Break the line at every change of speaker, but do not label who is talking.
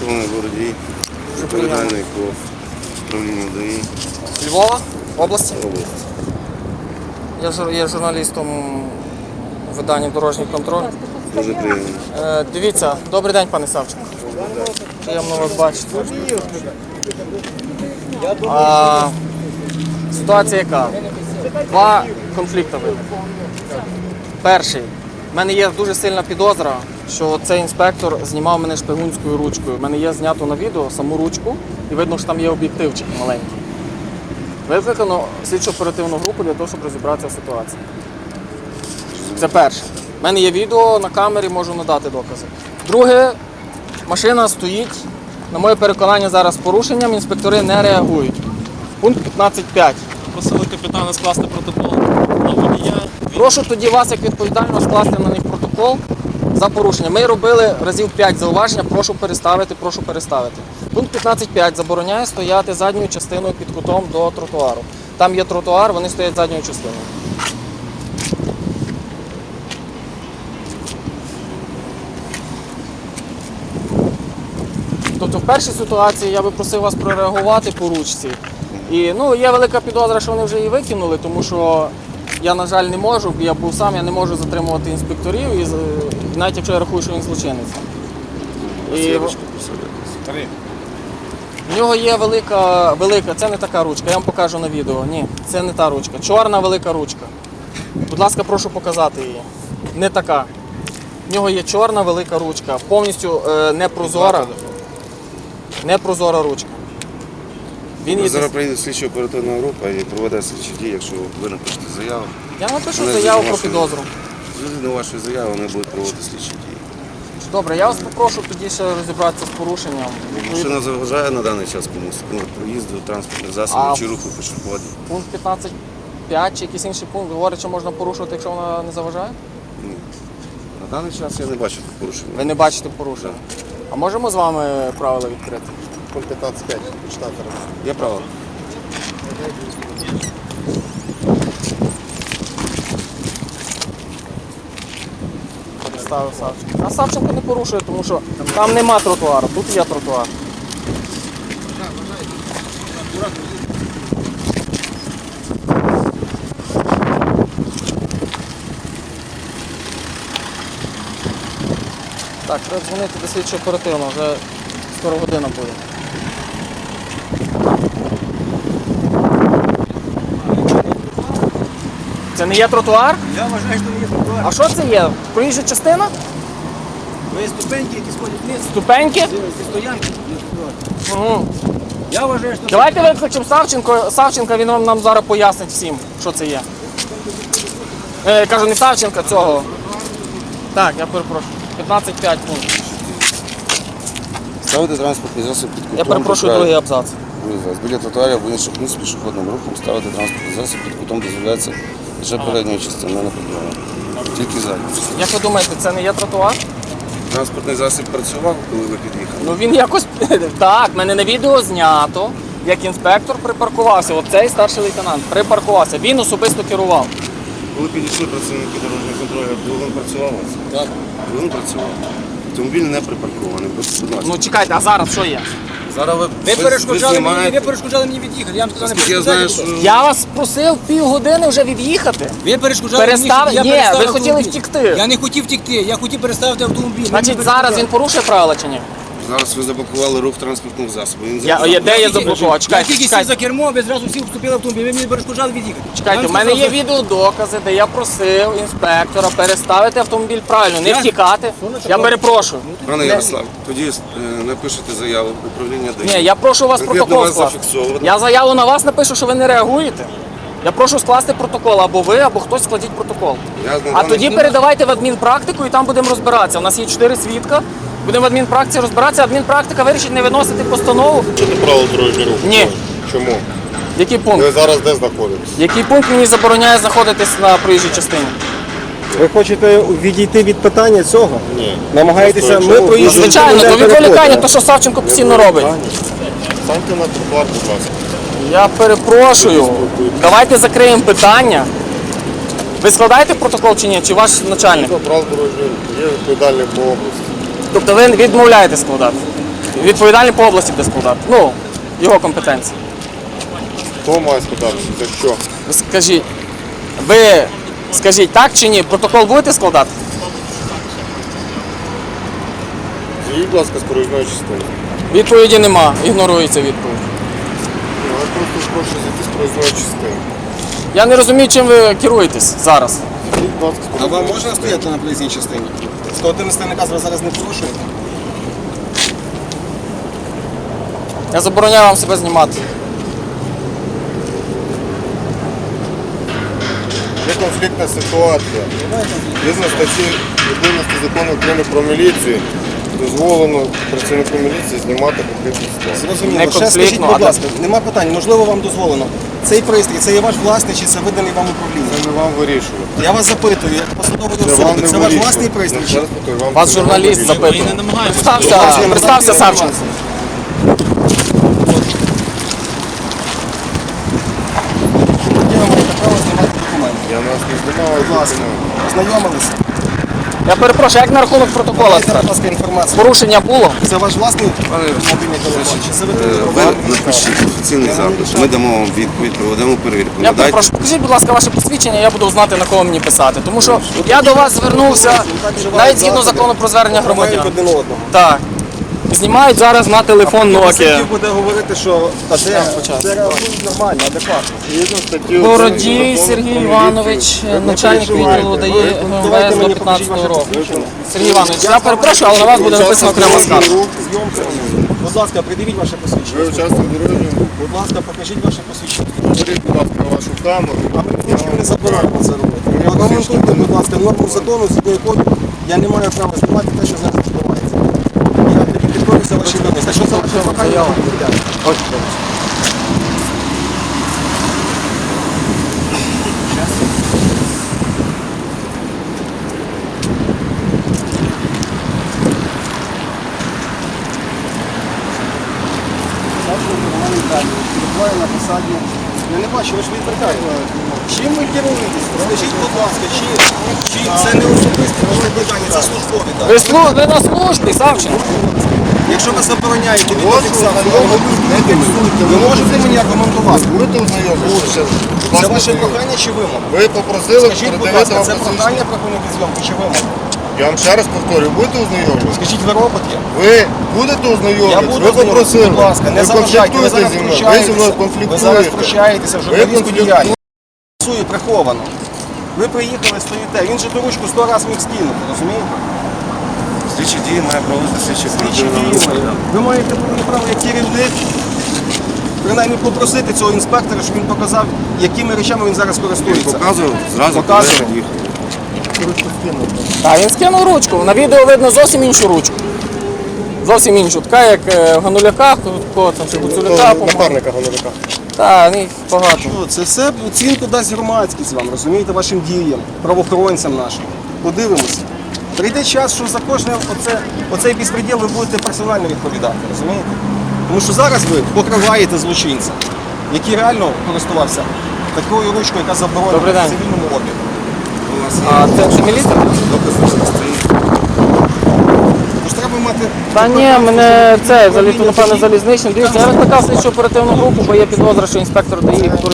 Полковник Бородій, відповідальний по управлінню ДАІ.
Львова, області.
Область.
Я є журналістом видання «Дорожній контроль».
Дуже приємно.
Дивіться, добрий день, пане Савченко. Приємно вас бачити. Ситуація яка? Два конфлікти виникли. Перший. У мене є дуже сильна підозра, що цей інспектор знімав мене шпигунською ручкою. У мене є знято на відео саму ручку і видно, що там є об'єктивчик маленький. Викликано слідчо-оперативну групу для того, щоб розібратися в ситуації. Це перше. У мене є відео на камері, можу надати докази. Друге, машина стоїть, на моє переконання, зараз з порушенням, інспектори не реагують. Пункт 15.5.
Просили капітана скласти протокол на водія.
Прошу тоді вас, як відповідально, скласти на них протокол за порушення. Ми робили разів 5 зауваження, прошу переставити. Пункт 15.5 забороняє стояти задньою частиною під кутом до тротуару. Там є тротуар, вони стоять задньою частиною. Тобто в першій ситуації я би просив вас прореагувати по ручці. І є велика підозра, що вони вже її викинули, тому що я, на жаль, не можу, я був сам, я не можу затримувати інспекторів, і навіть якщо я рахую, що він злочинець. І в нього є велика, це не така ручка, я вам покажу на відео. Ні, це не та ручка. Чорна велика ручка. Будь ласка, прошу показати її. Не така. В нього є чорна велика ручка, повністю непрозора ручка.
Зараз прийде слідчо-оперативна група і проведе слідчі дії, якщо ви напишете заяву.
Я напишу заяву про підозру.
Згідно вашої заяви вони будуть проводити слідчі дії.
Добре, я вас попрошу тоді ще розібратися з порушенням.
Машина заважає на даний час комусь проїзду, транспортних засобів чи руху пішоходів?
Пункт 15.5 чи якийсь інший пункт говорить, що можна порушувати, якщо вона не заважає?
Ні. На даний час я не бачу порушення.
Ви не бачите порушення? А можемо з вами правила відкрити?
Пункт 15.5. Почитати раз.
Є право.
Ставив Савченко. А Савченко не порушує, тому що там нема тротуару, тут є тротуар. Так, треба дзвонити до слідчого оперативно, вже скоро година буде. Це не є тротуар?
Я вважаю, що не є тротуар.
А що це є? Проїжджа частина?
Ви ступеньки, які сходять вниз.
Ступеньки?
Ці стоянки, не тротуар.
Угу.
Я вважаю, що
Давайте викличемо Савченка, він нам зараз пояснить всім, що це є. Я кажу, не Савченка, цього. Так, я перепрошую. 15.5 пункт.
Ставити транспортний засіб під кутом.
Я перепрошую, другий абзац.
Біля тротуарів або інших місць пішохідним рухом ставити транспортний засіб під кутом дозволяється лише передньої частини, не передньої. Тільки задньої.
Як ви думаєте, це не є тротуар?
Транспортний засіб працював, коли ви під'їхали?
Ну він якось... Так, в мене на відео знято, як інспектор припаркувався. Оцей старший лейтенант припаркувався. Він особисто керував.
Коли підійшли працівники дорожнього контролю, двигун працював у вас?
Так.
Двигун працював. Автомобіль не припаркований. Будь ласка.
Ну чекайте, а зараз що є?
Зараз
ви перешкоджали мені від'їхати. Я вам сказав, не
Я знаю, що...
Я вас просив півгодини вже від'їхати.
Ви перешкоджали мені,
Перестав...
щоб я
Ні,
переставив
ви хотіли
автомобіль.
втікти.
Я не хотів втікти, я хотів переставити автомобіль.
Значить, зараз він порушує правила чи ні?
Зараз ви заблокували рух транспортних засобів. Він
Де я заблокував?
Я
Чекайте,
тільки сів
чекайте.
за кермо, ви зразу всі вступили в автомобіль, ви мені перешкоджали від'їхати.
Чекайте, в мене є відеодокази, де я просив інспектора переставити автомобіль правильно, не втікати. Я перепрошую.
Пане Ярослав, тоді напишете заяву в управління ДАІ.
Ні, я прошу вас
Конкретно
протокол
вас
скласти.
зафіксовано.
Я заяву на вас напишу, що ви не реагуєте. Я прошу скласти протокол, або ви, або хтось складіть протокол. А тоді передавайте в адмінпрактику і там будемо розбиратися. У нас є 4 свідка. Будемо в адмінпрактиці розбиратися, адмінпрактика вирішить не виносити постанову.
Чи не правило дорожнього руху?
Ні.
Чому?
Який пункт?
Ви зараз де знаходитесь?
Який пункт мені забороняє знаходитись на проїжджій частині?
Ви хочете відійти від питання цього?
Ні.
Намагаєтеся,
Просто,
ми
якщо
проїжджаємо.
Звичайно, то відволікання, то що Савченко постійно робить.
Станьте на тротуар, будь ласка.
Я перепрошую. Давайте закриємо питання. Ви складаєте протокол чи ні? Чи ваш начальник?
Правило дорожнього руху. Є відповідальний по області.
Тобто ви відмовляєте складати? Відповідальний по області буде складати. Ну, його компетенції.
Хто має складатися? За що?
Ви скажіть так чи ні? Протокол будете складати?
З'їдь, будь ласка, з проїзної частини.
Відповіді нема, ігнорується відповідь.
Я просто прошу зайти з проїзної частини.
Я не розумію, чим ви керуєтесь зараз.
З'їдь, будь ласка, з
А
проїзної
вам можна стояти на проїзній частині? 111 наказ ви зараз не порушуєте?
Я забороняю вам себе знімати.
Є конфліктна ситуація. Згідно статті 11 закону України про міліцію, дозволено працівнику міліції знімати конфліктну ситуацію.
Зрозуміло.
Не
Ще
конфліктно,
скажіть,
а
будь
де?
ласка, нема питань, можливо вам дозволено. Цей пристрій, це є ваш власний чи це виданий вам управління?
Це не вам вирішувати.
Я вас запитую, як посадовий
Це вам
особи,
не
це ваш
вирішувати.
власний пристрій?
Ну,
чи-
зараз повторюю, вам
Вас
це не
журналіст
вирішувати.
запитує.
Ми не намагаємося.
Представся Савченко.
Яке ви маєте право знімати документи?
Я нас не знімаю.
Будь ласка, ознайомилися.
Я перепрошую, як на рахунок протокола?
Дайте, будь ласка, інформацію.
Порушення було?
Це ваш власний мобільний телефон? Чи це ви
Ви напишіть офіційний запит. Ми дамо вам відповідь, проведемо перевірку.
Я
Надайте.
перепрошую, покажіть, будь ласка, ваше посвідчення, я буду знати, на кого мені писати. Тому що я до вас звернувся навіть згідно закону про звернення
Мають
громадян.
один одного.
Так. Знімають зараз на телефон Nokia.
Хотів буде говорити, що це реагують нормально, адекватно.
Згідно статті
Бородій
11 закону
Сергій
про
Іванович,
міліцію.
начальник відділу дає
Давайте
МВС до
мені
15
покажіть ваше
року.
посвідчення.
Сергій Іванович, я перепрошую, але на вас буде написано окрема скарга.
Зйомка. Будь ласка, придивіть ваше посвідчення.
Ви учасник дорожнього руху.
Будь ласка, покажіть ваше посвідчення.
Беріть, будь ласка, вашу камеру.
А ми нічого не забираємо це робити. Аргументуйте, будь ласка, норму закону, згідно якої я не маю права знімати те, що зараз відбувається. Я тобі підкорюся ваші вимоги. Те, що це ваше прохання,
Ось.
перебуває на посаді. Я не бачу, ви ж відвертаєте. Чим ви керуєтесь? Скажіть, будь ласка, чи це не особисте ваше питання, це службові, так?
Ви на службі, Савченко.
Якщо ви забороняєте
От,
відеофіксацію,
не фіксуйте.
ви можете мені аргументувати?
Будете ознайомитися?
Це ваше прохання чи вимога?
Ви попросили
Скажіть, будь
передавати
ласка,
вам
це
посвідчення.
прохання припинити зйомку чи вимога?
Я вам ще раз повторюю, будете ознайомитися?
Скажіть, ви робот є?
Ви будете
Я
ознайомитися?
буду
Ви
ознайомитися,
попросили.
будь ласка, не
Ви
заважайте, ви
конфліктуєте
зараз
зі мною. Ви зі мною
втручаєтеся. Ви
конфліктуєте.
зараз втручаєтеся в журналістську
конфліктуєте.
діяльність. Працює приховано. Ви приїхали, стоїте. Він же ту ручку 100 разів міг скинути, розумієте?
Слідчі дії має проводити слідчі
Слідчі дії. Ви маєте повне право як керівник, принаймні попросити цього інспектора, щоб він показав, якими речами він зараз користується.
Показував, зразу
Показував.
коли їхав.
Так, він скинув ручку. На відео видно зовсім іншу ручку. Зовсім іншу. Така, як в Гануляках, кого там, чи Гуцуляка, по-моєму.
Напарника Гануляка.
Так, їх багато.
Що, це все оцінку дасть громадськість вам, розумієте, вашим діям, правоохоронцям нашим. Подивимося. Прийде час, що за кожне оцей безпреділ ви будете персонально відповідати, розумієте? Тому що зараз ви покриваєте злочинця, який реально користувався такою ручкою, яка заборонена
Добрий
в
день.
цивільному обігу.
А це міліція?
Тож треба мати...
Та ні, мене це, взагалі, напевно, залізничний. Дивіться, я викликав слідчу оперативну групу, бо є підозра, що інспектор дає